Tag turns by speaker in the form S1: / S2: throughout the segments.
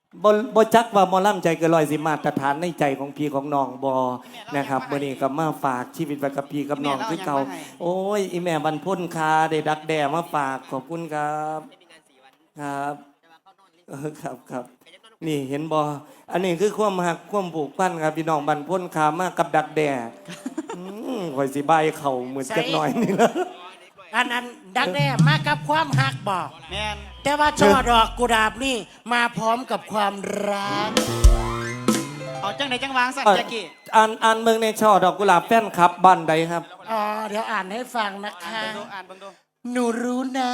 S1: บ่จักว่าหมอลำใจเกินร้อยสิมาตรฐานในใจของพี่ของน้องบอนะครับมื้อนี้ก็มาฝากชีวิตไว้กับพี่กับน้องคือเก่าโอ้ยอีแม่บรรพ้นคาได้ดักแด่มาฝากขอบคุณครับครับครับนี่เห็นบออันนี้คือความหักความผูกพันครับพี่น้องบรรพ้นคามากกับดักแด่ข่อยสิบายเข่าเหมือนจักหน่อยนี่ละ
S2: อันดักแด้มากับความหักบอก
S3: แม่น
S2: แต่ว่าช่อดอกกุหลาบนี่มาพร้อมกับความรัก
S3: เอาจังไหนจังวางสั่นจักกี้
S1: อ่านเมืองในช่อดอกกุหลาบแฟนครับบ้านใดครับ
S2: อ๋อเดี๋ยวอ่านให้ฟังนะคะ
S3: อ่านเบิ่งดู
S2: หนูรู้นะ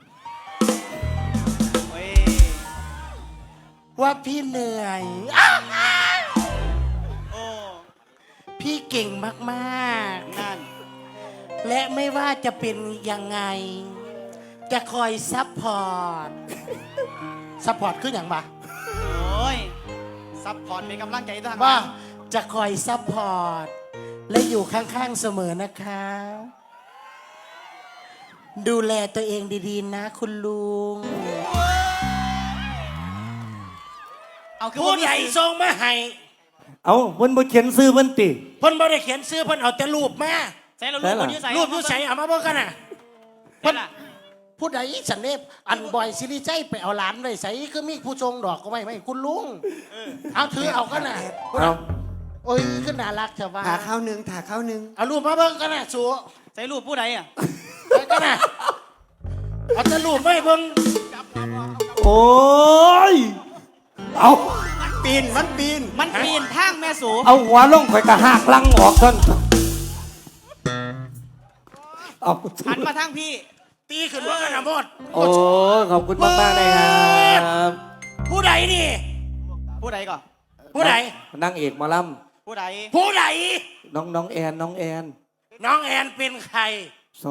S2: ว่าพี่เหนื่อย
S3: โอ้
S2: พี่เก่งมาก
S3: ๆนั่น
S2: และไม่ว่าจะเป็นยังไงจะคอยซัพพอร์ตคืออย่างบ่
S3: โอ้ยซัพพอร์ตเป็นกำลังใจทาง
S2: ว่าจะคอยซัพพอร์ตและอยู่ข้างๆเสมอนะคะดูแลตัวเองดีๆนะคุณลุงผู้ใหญ่ทรงมาให้
S1: เอาเพิ่นบ่เขียนซื้อเพิ่นติ
S2: เพิ่นบ่ได้เขียนซื้อเพิ่นเอาแต่รูปมา
S3: ใส่รูปคนอยู่ใส่
S2: รูปอยู่ใส่เอามาเบิ่งกันน่ะเพิ่นผู้ใดสันเนบอันบอยซิริใจไปเอาหลานไว้ใส่คือมีผู้ทรงดอกก็ไม่คุณลุงเอาถือเอากันน่ะ
S1: เอา
S2: โอ้ยขึ้นน่ารักเถอะว่า
S4: ถ่าข้าวนึง
S2: เอารูปมาเบิ่งกันน่ะสัว
S3: ใส่รูปผู้ใดอ่ะ
S2: กันน่ะเอาแต่รูปไม่เบิ่ง
S1: โอ้ยเอา
S3: มันปีนทางแม่สู
S1: เอาหัวลงข่อยกะหักลังออกท่านเอา
S3: หันมาทางพี่
S2: ตีขึ้นว่ากันนะหมด
S1: โอ้ขอบคุณมากๆเลยครับ
S2: ผู้ใดนี่
S3: ผู้ใดก่อน
S2: ผู้ใด
S1: นั่งเอกมาล่
S3: ำผู้ใด
S1: น้องแอนน้องแ
S2: อนเป็นใคร
S1: ซ้อ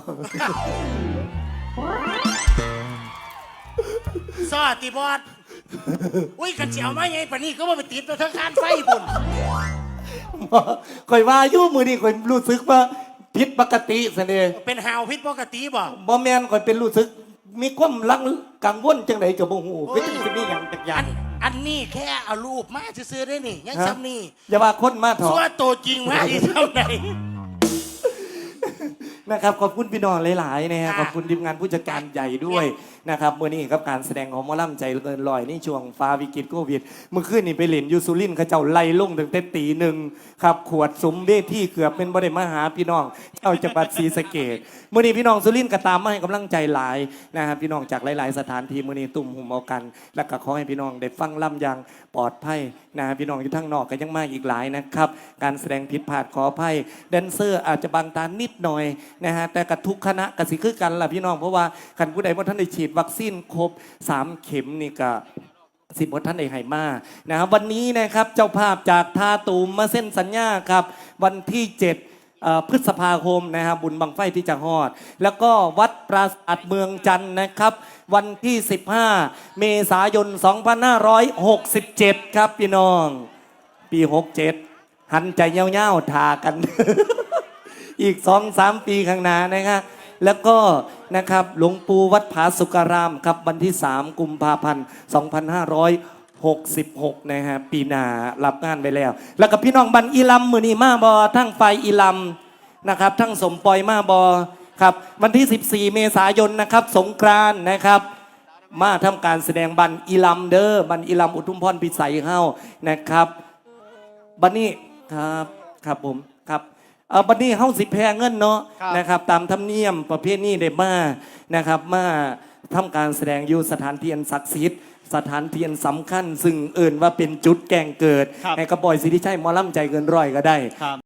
S2: ตีบอดอุ้ยกันเจียวมาไงปะนี่ก็ว่าไปติดตัวทั้งคานไฟบุญ
S1: ข่อยว่ายุ่มือนี่ข่อยรู้สึกว่าผิดปกติเสน่ห์
S2: เป็นหาวผิดปกติ
S1: บ่แมนข่อยเป็นรู้สึกมีความลังกังวลจังไหนกับบ่ฮู้เป็นจังนี่อย่างจักอย่าง
S2: อันนี้แค่เอารูปมาซื้อได้นี่ยังซ้ำนี่
S1: อย่าว่าคนมาถอด
S2: ซัวตัวจริงมาที่เท่าไหร่
S1: นะครับขอบคุณพี่น้องหลายๆนะครับขอบคุณทีมงานผู้จัดการใหญ่ด้วยนะครับเมื่อนี้ครับการแสดงของหมอลำใจเกินลอยในช่วงฟ้าวิกฤตโควิดเมื่อคืนนี่ไปเล่นยูซูลินเขาเจ้าไล่ลงตั้งแต่ตีหนึ่งครับขวดสมเวทีเกือบเป็นบ่ได้มาหาพี่น้องเจ้าจังหวัดศรีสะเกษเมื่อนี้พี่น้องซูลินก็ตามมาให้กำลังใจหลายนะครับพี่น้องจากหลายๆสถานที่เมื่อนี้ตุ่มหุ่มเอากันและก็ขอให้พี่น้องได้ฟังล่ำอย่างปลอดภัยนะพี่น้องอยู่ทั้งนอกก็ยังมาอีกหลายนะครับการแสดงผิดพลาดขออภัยแดนเซอร์อาจจะบางตานิดหน่อยนะฮะแต่กับทุกคณะกสิคือกันล่ะพี่น้องเพราะว่าคันผู้ใดว่าท่านได้ฉีดวัคซีนครบ3 เข็มนี่ก็10ท่านได้ให้มานะครับวันนี้นะครับเจ้าภาพจากท่าตูมมาเส้นสัญญาครับวันที่7พฤษภาคมนะครับบุญบังไฟที่จะฮอดแล้วก็วัดปราสาทเมืองจันทร์นะครับวันที่15 เมษายน 2567ครับพี่น้องปี67หันใจเย้าๆทากัน อีก 2-3 ปีข้างหน้านะครับแล้วก็นะครับหลวงปู่วัดผาสุการามครับวันที่3 กุมภาพันธ์ 2566นะฮะปีหน้ารับงานไปแล้วก็พี่น้องบันอีลำมือนีมาบอทั้งไฟอีลำนะครับทั้งสมปอยมาบอครับวันที่14 เมษายนนะครับสงกรานต์นะครับมาทำการแสดงบันอีลำเด้อบันอีลำอุทุมพรพิสัยเฮานะครับบันนี้ครับผมครับบัดนี้เฮาสิแพ้เงินเนาะนะครับตามธรรมเนียมประเพณีได้มานะครับมาทำการแสดงอยู่สถานที่อันศักดิ์สิทธิ์สถานที่อันสำคัญซึ่งเอิ่นว่าเป็นจุดแก่งเกิดให้กระบอยสิริชัยหมอลำใจเกินร้อยก็ได้